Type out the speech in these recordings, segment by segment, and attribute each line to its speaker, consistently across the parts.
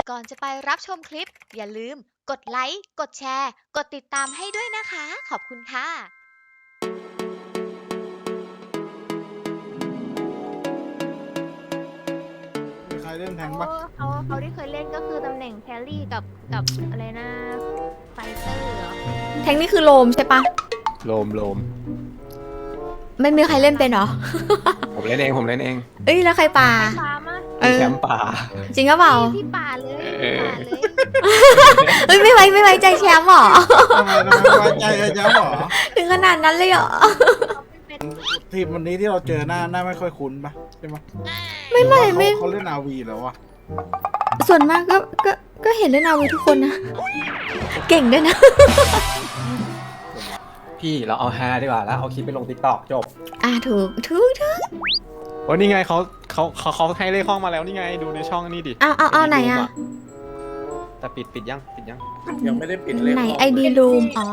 Speaker 1: ก่อนจะไปรับชมคลิปอย่าลืมกดไลค์กดแชร์กดติดตามให้ด้วยนะคะขอบคุณค่ะ
Speaker 2: มีใครเล่นแทงปะ
Speaker 3: เขาที่เคยเล่นก็คือตำแหน่งแครี่กับอะไรนะไฟเตอร์เหรอ
Speaker 4: แทงนี่คือโลมใช่ปะ
Speaker 5: โลม
Speaker 4: ไม่มีใครเล่นเป็นเหรอ
Speaker 5: ผมเล่นเอง
Speaker 4: เอ้ยแล้วใครป่า
Speaker 3: ปลามา
Speaker 4: เออ
Speaker 5: แชมป์ป่า
Speaker 4: จริงหรือเปล่า
Speaker 3: พี่ป่าเลย
Speaker 5: เออ
Speaker 3: ป่าเลย
Speaker 4: เอ้ยไม่ไว้ใจแชมป์หรอ
Speaker 2: ทำไมไว้ใจกันจังหรอ
Speaker 4: ถึงขนาดนั้นเลยเหรอ
Speaker 2: ทีมวันนี้ที่เราเจอหน้าไม่ค่อยคุ้นปะใช่ไหม
Speaker 4: ไม่
Speaker 2: เขาเล่นอาวีแล้ววะ
Speaker 4: ส่วนมากก็เห็นเล่นเอาไว้ทุกคนนะ เก่งด้วยนะ
Speaker 5: พี่เราเอาฮาดีกว่าแล้วเอาคลิปไปลง TikTok จบ
Speaker 4: ถูก
Speaker 5: โอ้นี่ไงเขาให้เลขห้องมาแล้วนี่ไงดูในช่องนี่ดิ
Speaker 4: เอาไหนอะ
Speaker 5: แต่ปิดยัง
Speaker 2: ยังไม่ได้ปิดเลย
Speaker 4: ไหนไอดีรูมอ๋อ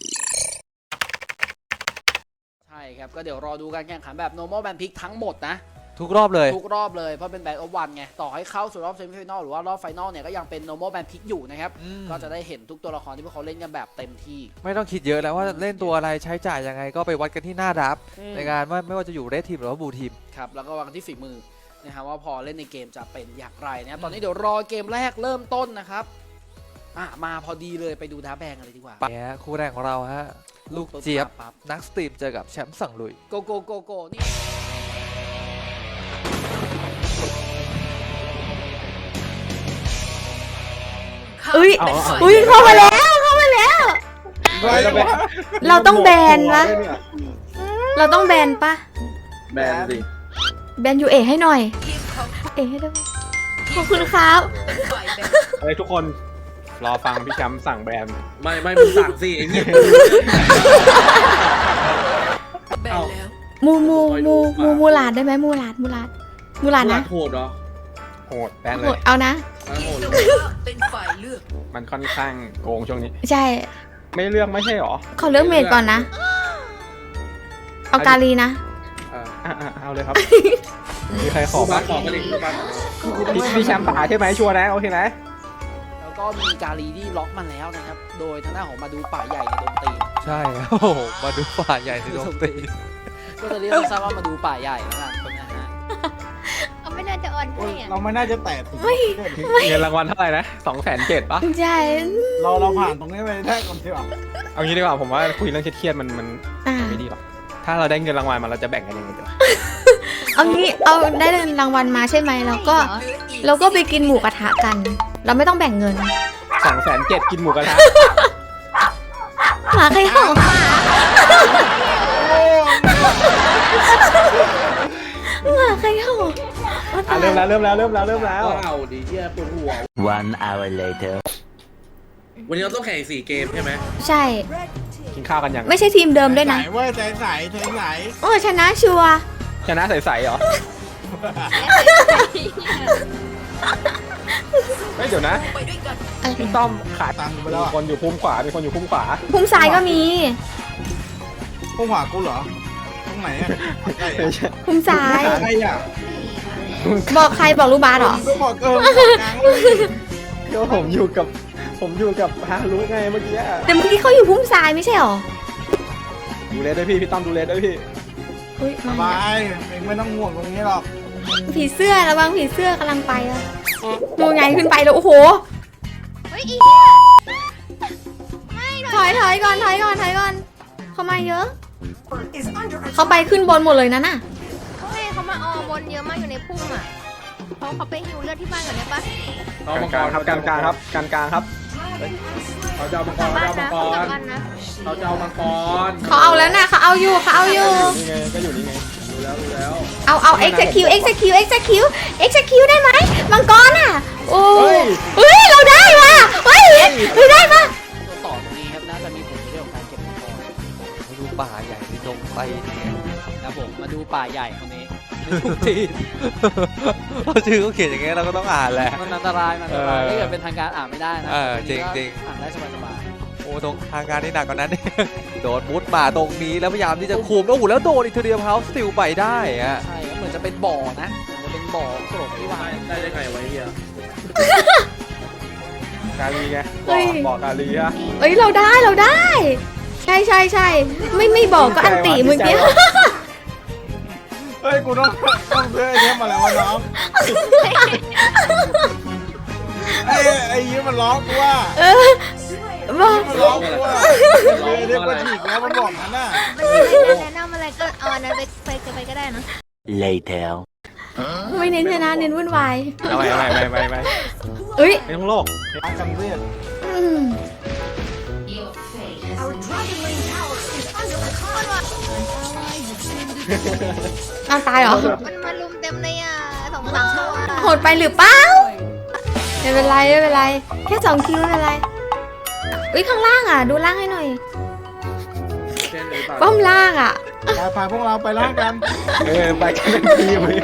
Speaker 6: ใช่ครับ ก็เดี๋ยวรอดูการแข่งขันแบบ normal band pick ทั้งหมดนะ
Speaker 7: ทุกรอบเลย
Speaker 6: ทุกรอบเลยเพราะเป็น band of one ไง ต่อให้เข้าสู่รอบ semi final หรือว่ารอบ final เนี่ยก็ยังเป็น normal band pick อยู่นะครับ ก็จะได้เห็นทุกตัวละครที่พวกเขาเล่นกันแบบเต็มที่
Speaker 7: ไม่ต้องคิดเยอะแล้วว่าเล่นตัวอะไรใช้จ่ายยังไงก็ไปวัดกันที่หน้าดับ
Speaker 6: อืม
Speaker 7: ในงานว่าไม่ว่าจะอยู่เรดทีมหรือว่าบูทีม
Speaker 6: ครับ แล้วก็วางกันที่ฝีมือนะครับว่าพอเล่นในเกมจะเป็นอย่างไรนะครับ ตอนนี้เดี๋ยวรอเกมแรกเริ่มต้นนะครับมาพอดีเลยไปดูดาแบงกันเลยดีกว่า
Speaker 7: เนี่ยคู่แรกของเราฮะ ลูกเจี๊ยบ
Speaker 6: ปั๊บ
Speaker 7: นักสตรีมเจอกับแชมป์สั่งลุย
Speaker 6: โกโกนี่
Speaker 4: อุ้ยเข้ามาแล้ว เราต้องแบนปะเราต้องแบนปะ
Speaker 2: แบนสิ
Speaker 4: แบนยูเอให้หน่อย เอให้ด้วยขอบคุณครับ
Speaker 5: เฮ้ยทุกคนรอฟังพี่แชมป์สั่งแบน
Speaker 8: ไม่มึงสั่งสิไอ้เงี้ย
Speaker 4: มูลาดได้ไหมมูลาดนะ
Speaker 8: โหดเหรอ
Speaker 5: โหดแบนเลย
Speaker 4: เอานะ
Speaker 8: โหด
Speaker 5: มันค่อนข้างโกงช่วงนี้
Speaker 4: ใช่
Speaker 5: ไม่เลือกไม่ใช่หรอ
Speaker 4: ขอเลือกเมดก่อนนะ เอากาลีนะ
Speaker 5: เอาเลยครับ มีใครขอ
Speaker 8: บ้า
Speaker 5: บ้าง
Speaker 8: ขอมาดิบ้าน
Speaker 5: พี่แชมป์ป่าใช่ไหมชัวร์นะโอเคนะ
Speaker 6: แล้วก็มีกาลีที่ล็อกมาแล้วนะครับ โดยทางด้านของมาดูป่าใหญ่ในดงตีน
Speaker 7: ใช่ครับโอ้โหมาดูฝ่ายใหญ่ในดงตี
Speaker 6: ก็จะเรียกสั้นๆว่ามาดูป่าใหญ่แล้วกันนะฮะ
Speaker 3: เขาไม่น่าจะอ่อนให้อะ
Speaker 2: เราไม่น่าจะแตะถึง
Speaker 5: เงินรางวัลเท่าไหร่นะ207,000ปะ
Speaker 4: ใช่
Speaker 2: เราผ่านตรงนี้ไปได้ก่อนดีกว่า
Speaker 5: เอางี้ดีกว่าผมว่าคุยเรื่องเครียดๆมัน
Speaker 4: อ่า
Speaker 5: ไม่ดีหรอกถ้าเราได้เงินรางวัลมาเราจะแบ่งกันยังไงดีวะ
Speaker 4: เอางี้ เอาได้รางวัลมาใช่ไหมเราก็ไปกินหมูกระทะกัน เราไม่ต้องแบ่งเงิน
Speaker 5: 207,000กินหมูกระทะ
Speaker 4: หมาใครเห่าหมาใครเห่า
Speaker 5: เริ่มแล้ว
Speaker 8: เอาดิเฮียปวดหัว
Speaker 9: One hour later
Speaker 8: วันนี้เราต้องแข่งอีก4 เกมใช่ไหม
Speaker 4: ใช่
Speaker 5: กินข้าวกันยัง
Speaker 4: ไม่ใช่ทีมเดิมด้วยนะ
Speaker 2: ใสเว้ยใส
Speaker 4: โอ้ชนะชัวร์
Speaker 5: ชนะใสๆเหรอเฮ้ยเดี๋ยวนะ
Speaker 4: อะไร
Speaker 5: พี่ต้อมขาย
Speaker 2: ตังค์ไป
Speaker 5: มี
Speaker 2: แล้ว
Speaker 5: คนอยู่พุ่มขวามีคนอยู่พุ่มขวา
Speaker 4: พุ่มซ้ายก็มี
Speaker 2: พวกหมากูเหรอตรงไหนอ่ะใกล้อะ
Speaker 4: พุ่มซ้าย
Speaker 2: ใครอ่ะ
Speaker 4: บอกใครบอกลูกบาสเหรอ
Speaker 2: ก็บอกบอกกลางเลย
Speaker 5: ก็ผมอยู่กับฮารุไงเมื่อกี้อะ
Speaker 4: แต่เมื่อกี้เขาอยู่พุ่มซ้ายไม่ใช่หรอ
Speaker 5: ดูเลสด้วยพี่ต้อมดูเลสด้วยพี่
Speaker 4: อุ้ย
Speaker 2: สบายเองไม่ต้องห่วงตรงนี้หรอก
Speaker 4: ผีเสื้อระวังผีเสื้อกำลังไปแล้วดูไงขึ้นไปแล้วโอ้โห
Speaker 3: เฮ้ยอีเนี่ย
Speaker 4: ถอยก่อนเขามาเยอะ เขาไปขึ้นบนหมดเลยนะน่ะ
Speaker 3: เขามาออบนเยอะมากอยู่ในพุ่มอ่ะเขาไปหิวเลือดที่บ้านก่อนได้ปะ
Speaker 8: เอามัง
Speaker 5: ก
Speaker 8: ก
Speaker 5: ลาง
Speaker 8: ร
Speaker 5: ครับกลางครับ
Speaker 8: เขาจะเอามังก
Speaker 3: กลั
Speaker 8: ร
Speaker 3: บบ้าน
Speaker 8: เขา
Speaker 3: นะ
Speaker 8: จะเอามังก
Speaker 3: กลับ
Speaker 8: ร
Speaker 3: บ้านนะ
Speaker 8: เขาจะเอามังกร
Speaker 4: เขาเอาแล้วนะเขาเอาอยู่
Speaker 5: นี่ไงก็อยู่นี่ไง
Speaker 8: ดูแล้ว
Speaker 4: เอา executeได้ไหมมังกรอ่ะโอ้เฮ้ยเราได้ว่ะเฮ้ยเราได้ปะ
Speaker 6: ตัวต่อตรงนี้ครับน่าจะมีผลในเรื่องของการเก็บมังกร
Speaker 7: มาดูป่าใหญ่ในดงไปเนี่ย
Speaker 6: นะครับผมมาดูป่าใหญ่คนนี้
Speaker 7: ทุกทีเราชื่อเขาเขียนอย่างเงี้ยเราก็ต้องอ่านแหละ
Speaker 6: มันอันตรายถ้าเกิดเป็นทางการอ่านไม่ได้นะ
Speaker 7: จริง
Speaker 6: อ่านได้สบาย
Speaker 7: โอ้ตรงทางการนี่หนักกว่านั้น โดนมุดมาตรงนี้แล้วพยายามที่จะคุมโอ้โหแล้วโดนอีกทีเดียวเฮาสติลไปได้อะ
Speaker 6: ๆใช่ครับเหมือนจะเป็นบ่อนะเหมือนจะเป็นบ่อกรดที่วาง
Speaker 8: ได้ไงไว้เฮีย
Speaker 5: กาลีไง
Speaker 4: เฮ้ย
Speaker 5: บอกกาลีอะ
Speaker 4: เอ้ยเราได้ ใช่ไม่บอกก็อันติเมื่อกี้
Speaker 2: เฮ้ยกูต้องซื้อไอ้เนี้ยมาแล้ววะน้องไอ้ยี่มันร้องกูว่า
Speaker 4: เออบอก
Speaker 2: มันร้องกูว่าเรียกว่าฉีกแล้วมันบอกนั้นน่ะ
Speaker 3: มันไม่ได้แนะนำอะไรก็เอาอันนั้นไปก็ได้นะ
Speaker 9: Later.
Speaker 4: ไม่เน้นชนะเน้นวุ่นวาย
Speaker 5: เอาไป
Speaker 4: เอ้ย
Speaker 5: ไม่ต้องโลก
Speaker 2: อาจำเรียก
Speaker 4: อืมอ้าวตายเหรอ
Speaker 3: มันมาลุมเต็มเลยอ่ะ2-3ตัว
Speaker 4: โหดไปหรือเปล่าไม่เป็นไรแค่2 คิวไม่เป็นไรอุ้ยข้างล่างอ่ะดูล่างให้หน่อย
Speaker 8: เช่นหรือเปล่า
Speaker 4: ป้อมล่างอ่ะ
Speaker 2: พาพวกเราไปล่างกัน
Speaker 5: ไปกันเป็นทีมเลย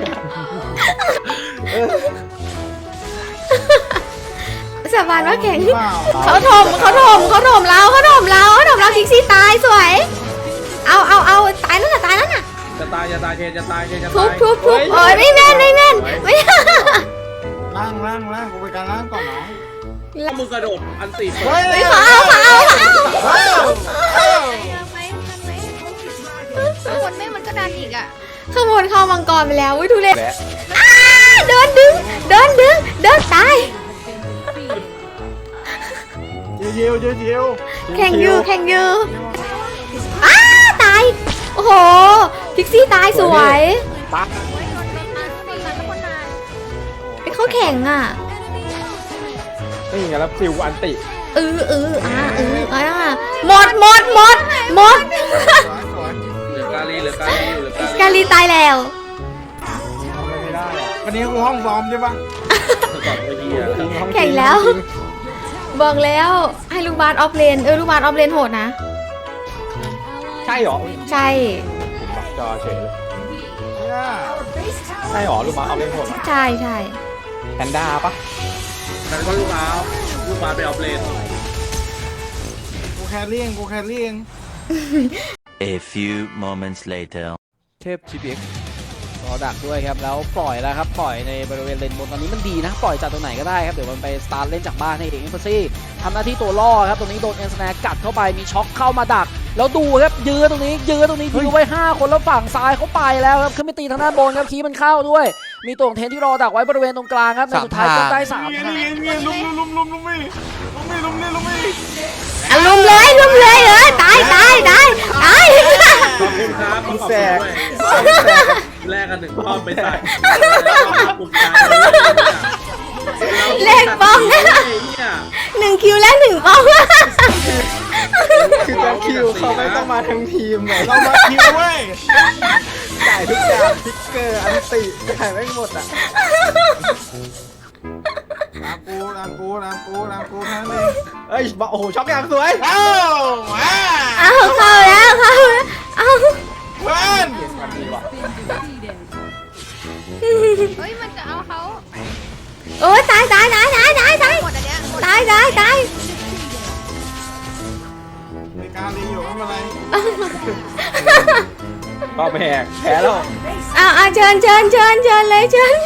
Speaker 4: สาบานว่าแข็ง
Speaker 2: เปล่า
Speaker 4: เขาถมเราคิกซี่ตายสวย เอาตายแล้วน่ะ
Speaker 8: จะตายเทนจะตาย
Speaker 4: ทุบโอ้ยไม่แม่นไม่
Speaker 2: ล่างกูไปการล่างก่อนน้อง
Speaker 8: ถ้ามึงกระโดดอันตี
Speaker 2: เฮ้ย
Speaker 4: เขาเอา
Speaker 3: ไปคนไม่มันก็ดันอีกอ่ะ
Speaker 4: ข้างบนเข้ามังกรไปแล้วอุ้ยทุเรศเดินดึงตาย
Speaker 2: เยียว
Speaker 4: แข่งอยู่ตายโอ้โหพิกซี่ตายสวย
Speaker 5: ปั๊บ
Speaker 4: เขาแข่งอ่ะ
Speaker 5: นี่ไงแล้วซิวอันติ
Speaker 4: หมด
Speaker 8: เหลือกาลีอยู่เหลือกาลี
Speaker 4: กาลีตายแล้ว
Speaker 5: ทำไมไม่ได้อะ
Speaker 2: วันนี้กูห้องซ้อมใช่ปะ
Speaker 8: ก่อนตัวเฮีย
Speaker 4: แข่งแล้ว บอกแล้วให้ลูกบาสออฟเลนลูกบาสออฟเลนโหดนะ
Speaker 5: ใช่หรอ
Speaker 4: ใช่
Speaker 5: ผมบักจอเฉยเลย
Speaker 2: เนี่ย
Speaker 5: ใช่หรอลูกบาสเอาเล่นโหด
Speaker 4: ใช่
Speaker 5: แพนด้าปะ
Speaker 8: นั่นก็ลูกบาสไปออฟเลน
Speaker 2: กูแครี่เอง
Speaker 9: A few moments later.
Speaker 7: เทพ GPX
Speaker 6: รอดักด้วยครับแล้วปล่อยแล้วครับปล่อยในบริเวณเลนบนตอนนี้มันดีนะปล่อยจากตรงไหนก็ได้ครับเดี๋ยวมันไปสตาร์ทเล่นจากบ้านให้เองเอมเบอร์ซี่ทำหน้าที่ตัวล่อครับตรงนี้โดนเอ็นสแนร์กัดเข้าไปมีช็อคเข้ามาดัก แล้วดูครับยื้อตรงนี้ยื้อไว้5คนแล้วฝั่งซ้ายเขาไปแล้วครับขึ้นไปตีทางด้านบนครับคีย์มันเข้าด้วย มีตัวของเทนที่รอดักไว้บริเวณตรงกลางครับในสุดท้ายก็ได้3
Speaker 2: นี่
Speaker 6: คะแนน
Speaker 2: ลุมมี
Speaker 4: ลุมเลยตาย
Speaker 8: ขอบคุณครับ
Speaker 5: แสก
Speaker 8: แลกกัน1 รอบไปใส่กลุ่มใจ
Speaker 4: เลขป้อม
Speaker 8: เนี่ย
Speaker 4: 1 คิวและ1 ป้อม
Speaker 5: คือจะคิวเขาไม่ต้องมาทั้งทีมเลย
Speaker 2: เรามาคิวเว้ย
Speaker 5: จ่ายทุกอย่างพิกเกอร์อันติจ่ายไม่หมดอ่ะ
Speaker 2: ตามกูทั้งนี้
Speaker 5: เอ้ยโอ้โหช็อกอย่างสวย
Speaker 2: เอ้ามา
Speaker 4: เข้าแล้วเอา
Speaker 2: เพื่อน
Speaker 5: มันดีว่ะ
Speaker 3: เฮ้ยมันจะเอาเขา
Speaker 4: โอ้ยตาย
Speaker 3: หมดอันเนี้ยหมด
Speaker 4: ตาย
Speaker 2: มีการรีอยู่ไม่เป็นไร
Speaker 5: ก็แพ้แล้ว
Speaker 4: เชิญเลยเชิญ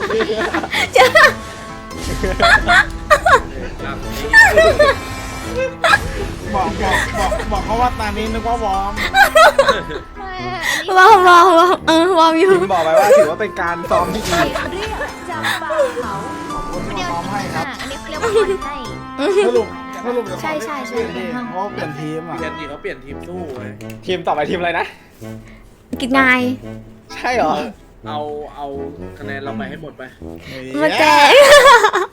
Speaker 2: บอกเขาว่าตานี้นึกว่าวอร์ม
Speaker 4: วอร์มอยู่
Speaker 5: ทีมบอกไปว่าถือว่าเป็นการซ้อมที่ดี
Speaker 2: คนที่มาซ้อมให้ครับ
Speaker 3: อันนี้เขาเรียกว่าคนให้
Speaker 2: สรุปเดี๋ยว
Speaker 4: ใช่
Speaker 2: เพราะเปลี่ยนทีมอ่ะ
Speaker 8: เปลี่ยนทีเขาเปลี่ยนทีมสู้ไง
Speaker 5: ทีมต่อไปทีมอะไรนะ
Speaker 4: กินงาย
Speaker 5: ใช่เหรอ
Speaker 8: เอาคะแนนเราไปให้หมดไป
Speaker 4: มาแจก